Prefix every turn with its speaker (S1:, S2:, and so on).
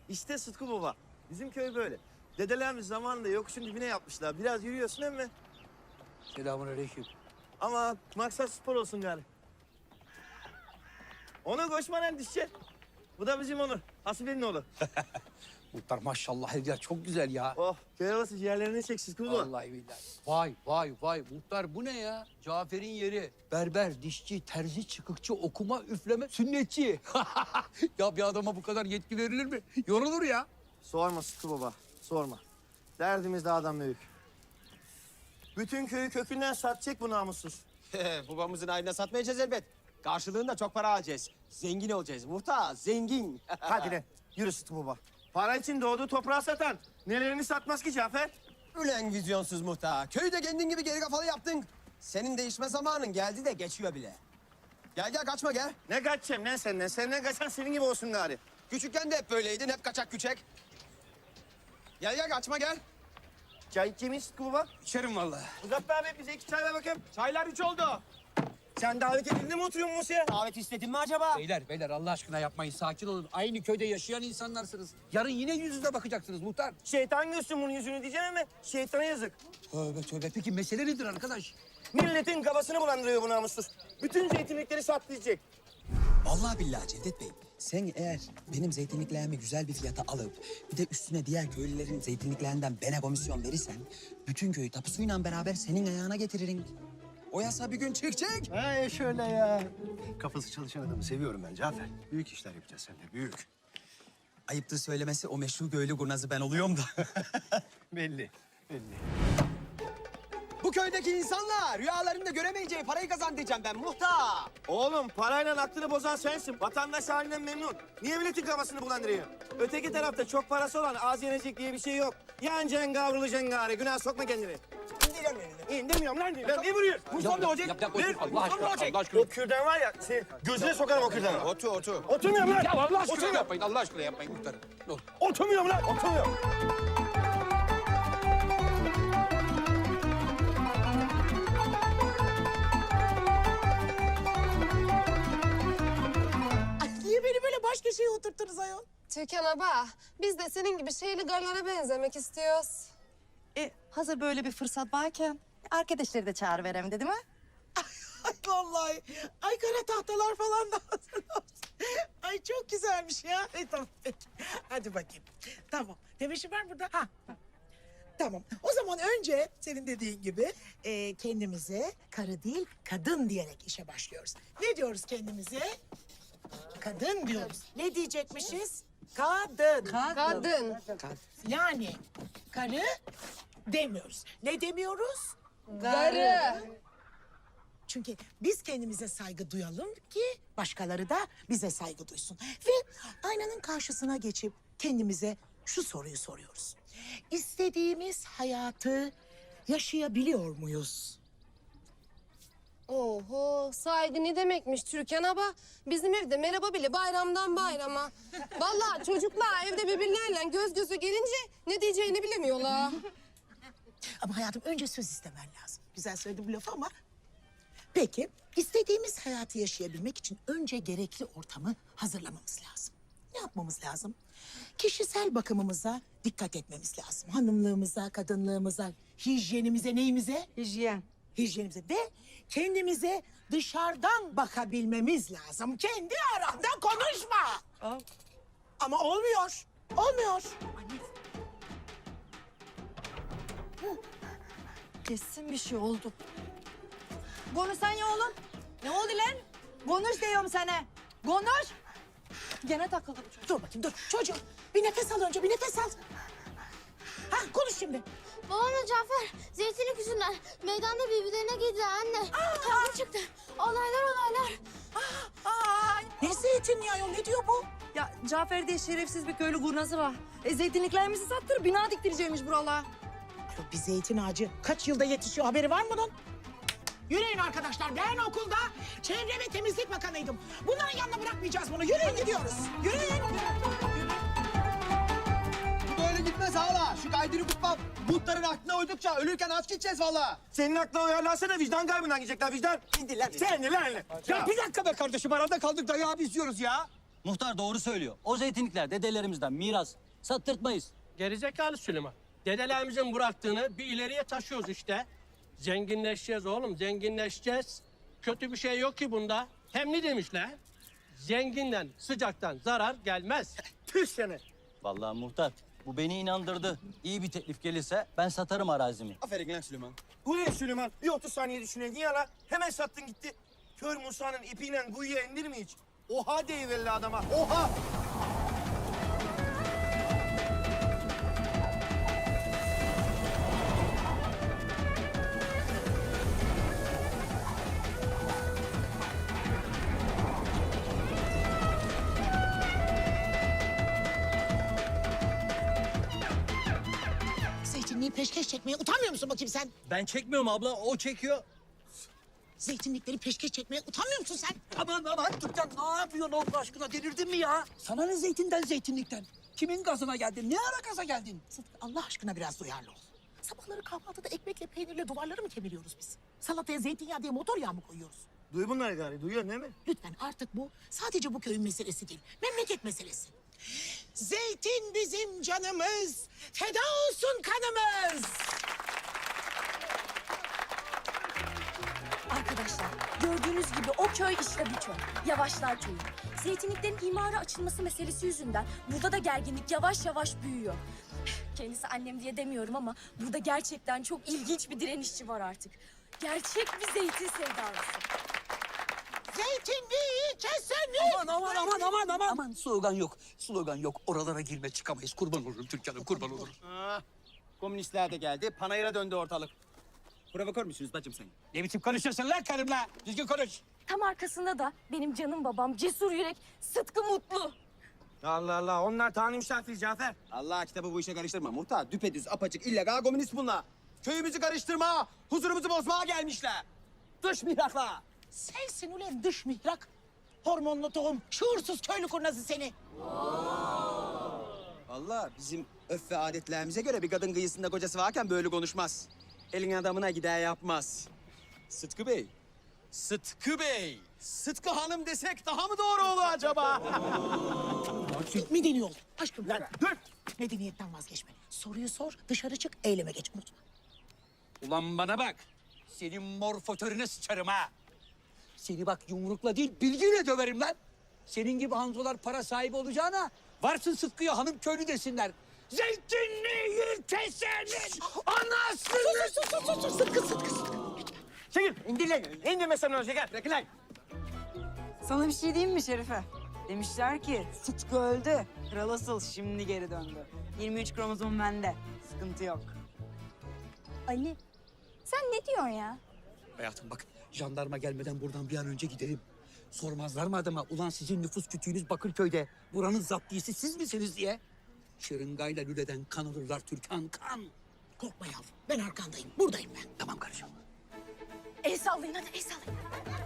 S1: İşte Sıtkı Baba. Bizim köy böyle. Dedelerimiz zamanında yokuşun dibine yapmışlar. Biraz yürüyorsun emmi.
S2: Selamünaleyküm.
S1: Ama maksat spor olsun gari. Onur koşmadan dişçi. Bu da bizim Onur. Hasibe'nin oğlu.
S2: Muhtar maşallah her yer çok güzel ya.
S1: Oh, köy havası ciğerlerini çek Sıtkı Baba.
S2: Vallahi billahi. Vay muhtar bu ne ya? Cafer'in yeri. Berber, dişçi, terzi, çıkıkçı, okuma, üfleme, sünnetçi. Ya bir adama bu kadar yetki verilir mi? Yorulur ya.
S1: Sorma Sıtkı Baba, sorma. Derdimiz dağdan büyük. Bütün köyü kökünden satacak bu namussuz.
S3: Babamızın ayrına satmayacağız elbet. Karşılığında çok para alacağız. Zengin olacağız. Muhtar, zengin.
S1: Hadi lan, yürü Sıtkı Baba. Para için doğduğu toprağı satan nelerini satmaz ki Cafer?
S3: Ulan vizyonsuz muhtar. Köyü de kendin gibi geri kafalı yaptın. Senin değişme zamanın geldi de geçiyor bile. Gel kaçma gel.
S1: Ne kaçacağım lan senden? Senden kaçan senin gibi olsun gari.
S3: Küçükken de hep böyleydin. Hep kaçak küçek. Gel kaçma gel.
S1: Çay içeyim mi Sıtkı Baba?
S3: İçerim vallahi.
S1: Uzat be abi, bize 2 çay ver bakayım.
S3: Çaylar 3 oldu.
S1: Sen davet edildin mi oturuyorsun masaya?
S3: Davet istedin mi acaba?
S2: Beyler Allah aşkına yapmayın. Sakin olun. Aynı köyde yaşayan insanlarsınız. Yarın yine yüz yüze bakacaksınız muhtar.
S1: Şeytan görsün bunun yüzünü diyeceğim ama şeytana yazık.
S2: Tövbe. Peki mesele nedir arkadaş?
S1: Milletin kafasını bulandırıyor bu namussuz. Bütün zeytinlikleri satlayacak.
S4: Vallahi billahi Cevdet Bey, sen eğer benim zeytinliklerimi güzel bir fiyata alıp bir de üstüne diğer köylülerin zeytinliklerinden bana komisyon verirsen bütün köyü tapusuyla beraber senin ayağına getiririm. O yasa bir gün çıkacak.
S5: Ha şöyle ya. Kafası çalışan adamı seviyorum ben Cafer. Büyük işler yapacağız seninle, büyük.
S4: Ayıptır söylemesi o meşhur köylü kurnazı ben oluyorum da.
S5: Belli.
S3: Bu köydeki insanlar rüyalarında göremeyeceği parayı kazan diyeceğim ben muhtar.
S1: Oğlum parayla aklını bozan sensin. Vatandaş halinden memnun. Niye milletin kafasını bulandırıyor? Öteki tarafta çok parası olan az yenecek diye bir şey yok. Yanacaksın kavrulacaksın gari. Günah sokma kendini. İndirem elini. İndirmiyorum lan. Lan ne vuruyor? Mustafa ne olacak?
S2: Yap,
S1: Ver.
S2: Allah aşkına.
S1: O kürdan var ya, gözüne sokarım o kürdanı.
S3: Otur.
S1: Oturmuyorum lan.
S2: Ya Allah aşkına
S1: Oturmuyorum.
S2: yapmayın. Allah aşkına yapmayın muhtarım. Ne olur.
S1: Oturmuyorum lan. Oturmuyorum.
S6: Niye beni böyle baş köşeye oturttunuz ayol?
S7: Türkan abla, biz de senin gibi şeyli garlara benzemek istiyoruz.
S8: Hazır böyle bir fırsat varken arkadaşları da çağırıverem dedim ha.
S6: Ay vallahi. Ay kara tahtalar falan da hazır olsun. Ay çok güzelmiş ya. Tamam peki. Hadi bakayım. Tamam. Demişim var burada. Ha. Tamam. O zaman önce senin dediğin gibi kendimize karı değil kadın diyerek işe başlıyoruz. Ne diyoruz kendimize? Kadın diyoruz. Ne diyecekmişiz? Kadın.
S7: Kadın.
S6: Yani karı demiyoruz. Ne demiyoruz?
S7: Garı.
S6: Çünkü biz kendimize saygı duyalım ki başkaları da bize saygı duysun. Ve aynanın karşısına geçip kendimize şu soruyu soruyoruz. İstediğimiz hayatı yaşayabiliyor muyuz?
S7: Oho, saygı ne demekmiş Türkan abla? Bizim evde merhaba bile bayramdan bayrama. Vallahi çocuklar evde birbirlerine göz göze gelince ne diyeceğini bilemiyorlar.
S6: Ama hayatım önce söz istemen lazım. Güzel söyledim bu lafı ama... Peki, istediğimiz hayatı yaşayabilmek için önce gerekli ortamı hazırlamamız lazım. Ne yapmamız lazım? Kişisel bakımımıza dikkat etmemiz lazım. Hanımlığımıza, kadınlığımıza, hijyenimize, neyimize?
S8: Hijyen.
S6: Hijyenimize ve kendimize dışarıdan bakabilmemiz lazım. Kendi aranda konuşma. Ama olmuyor. Olmuyor.
S8: Kesin bir şey oldu. Konuşsan ya oğlum. Ne oldu lan? Konuş diyorum sana. Konuş. Gene takıldım çocuk.
S6: Dur bakayım dur. Çocuğum bir nefes al önce bir nefes al. Ha konuş şimdi.
S9: Babamla Cafer zeytinlik yüzünden meydanda birbirlerine girdiler anne. Kavga çıktı. Olaylar.
S6: Ne zeytinliği ayol ne diyor bu?
S8: Ya Cafer diye şerefsiz bir köylü kurnazı var. Zeytinliklerimizi sattırıp bina diktireceğimiş buralara.
S6: Ayol, bir zeytin ağacı kaç yılda yetişiyor haberi var mı bunun? Yürüyün arkadaşlar ben okulda çevre ve temizlik bakanıydım. Bunların yanına bırakmayacağız bunu. Yürüyün gidiyoruz. Yürüyün.
S3: Bu böyle gitmez hala. Şu kaydını kutmam. Muhtarın aklına uydukça ölürken aç gideceğiz valla.
S1: Senin aklına uyarlansana, vicdan kaybından gidecekler vicdan.
S3: İndir lan.
S1: Sen ne lan?
S2: Ya bir dakika be kardeşim arada kaldık dayağı biz yiyoruz ya.
S10: Muhtar doğru söylüyor. O zeytinlikler dedelerimizden miras. Sattırtmayız.
S11: Gerizekalı Süleyman. Dedelerimizin bıraktığını bir ileriye taşıyoruz işte. Zenginleşeceğiz oğlum, zenginleşeceğiz. Kötü bir şey yok ki bunda. Hem ne demişler? Zenginden, sıcaktan zarar gelmez.
S1: Tüh seni.
S10: Vallahi muhtar bu beni inandırdı. İyi bir teklif gelirse ben satarım arazimi.
S3: Aferin lan Süleyman.
S1: Bu ne Süleyman? Bir 30 saniye düşüneydin ya la. Hemen sattın gitti. Kör Musa'nın ipiyle kuyuya indir mi hiç? Oha deyiverli adama. Oha!
S6: Zeytinliği peşkeş çekmeye utanmıyor musun bakayım sen?
S10: Ben çekmiyorum abla, o çekiyor.
S6: Zeytinlikleri peşkeş çekmeye utanmıyor musun sen?
S2: Aman Türkan ne yapıyorsun Allah aşkına delirdin mi ya? Sana ne zeytinden zeytinlikten? Kimin gazına geldin? Ne ara gaza geldin?
S6: Sıtkı Allah aşkına biraz duyarlı ol. Sabahları kahvaltıda ekmekle peynirle duvarları mı kemiriyoruz biz? Salataya zeytinyağı diye motor yağı mı koyuyoruz?
S1: Duy bunları gari. Duyuyorsun değil mi?
S6: Lütfen artık bu sadece bu köyün meselesi değil. Memleket meselesi. Zeytin bizim canımız. Feda olsun kanımız.
S8: Arkadaşlar gördüğünüz gibi o köy işte bu köy. Yavaşlar köyü. Zeytinliklerin imara açılması meselesi yüzünden burada da gerginlik yavaş yavaş büyüyor. Kendisi annem diye demiyorum ama burada gerçekten çok ilginç bir direnişçi var artık. Gerçek bir zeytin sevdalısı.
S6: Zeytinliği keselim.
S2: Aman slogan yok. Oralara girme çıkamayız. Kurban olurum Türkan'ım kurban olurum.
S3: Komünistler de geldi. Panayır'a döndü ortalık. Provokör müsünüz bacım sen?
S2: Ne biçim konuşuyorsun lan karımla? Düzgün konuş.
S8: Tam arkasında da benim canım babam Cesur Yürek Sıtkı Mutlu.
S1: Allah Allah. Onlar Tanrı misafiri Cafer.
S3: Allah kitabı bu işe karıştırma. Muhtar düpedüz apaçık illegal komünist bunlar. Köyümüzü karıştırma, huzurumuzu bozmaya gelmişler. Dış mihrakla.
S6: Sensin ulan dış mihrak. Hormonlu tohum, şuursuz köylü kurnazı seni.
S3: Vallahi bizim öf ve adetlerimize göre bir kadın kıyısında kocası varken böyle konuşmaz. Elin adamına gider yapmaz. Sıtkı Bey. Sıtkı Bey. Sıtkı Hanım desek daha mı doğru olur acaba?
S6: Medeni ol. Aşkım lan dur. Medeniyetten vazgeçme. Soruyu sor, dışarı çık, eyleme geç. Unutma.
S2: Ulan bana bak. Senin mor fotörüne sıçarım ha. Seni bak yumrukla değil bilgiyle döverim lan. Senin gibi hanzolar para sahibi olacağına varsın Sıtkı'ya hanım köylü desinler. Zeytinliği kesenin anasını...
S6: Sus. Sıtkı.
S1: Çekil. İndir lan. İndirme sen onu şeker. Bırakın lan.
S12: Sana bir şey diyeyim mi Şerife? Demişler ki Sıtkı öldü. Kral asıl şimdi geri döndü. 23 kromozom bende. Sıkıntı yok.
S8: Ali sen ne diyorsun ya?
S2: Hayatım bak jandarma gelmeden buradan bir an önce gidelim. Sormazlar mı adama ulan sizin nüfus kütüğünüz Bakırköy'de buranın zaptiyesi siz misiniz diye. Şırıngayla lüleden kan alırlar Türkan kan.
S6: Korkma yavrum, ben arkandayım. Buradayım ben.
S2: Tamam karıcığım.
S8: El sallayın hadi el sallayın.